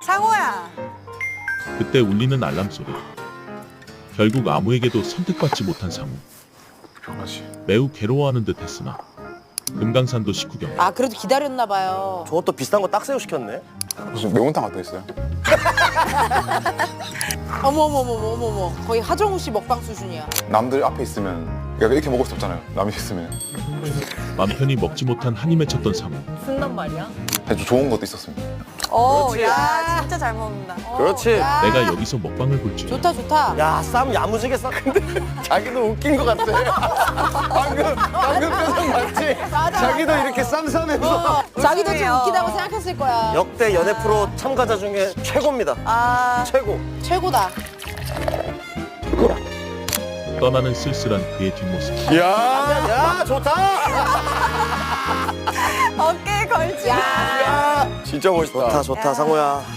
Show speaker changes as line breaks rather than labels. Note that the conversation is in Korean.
상호야.
그때 울리는 알람 소리. 결국 아무에게도 선택받지 못한 상우.
변하지.
매우 괴로워하는 듯했으나 금강산도 식후경.
아 그래도 기다렸나 봐요.
저것도 비싼 거 딱새우 시켰네.
무슨 매운탕 같은 거 있어요?
어머머머머머머. 거의 하정우 씨 먹방 수준이야.
남들 앞에 있으면 내가 이렇게 먹을 수 없잖아요. 남이 있으면
맘 편히 먹지 못한 한이 맺혔던 상우.
쓴단 말이야?
아주 좋은 것도 있었습니다.
야
진짜 잘 먹는다.
그렇지.
야.
내가 여기서 먹방을 볼 줄.
좋다 좋다.
야, 쌈 야무지게 싸. 근데 자기도 웃긴 것 같아. 방금 표정 맞지? 자기도 이렇게 쌈 싸면서.
자기도 좀 웃기다고 생각했을 거야.
역대 연애 프로 참가자 중에 최고입니다.
아
최고.
최고다.
떠나는 쓸쓸한 그의 뒷모습.
야, 좋다.
어깨에 걸지.
야.
진짜 멋있다. 좋다, 상호야.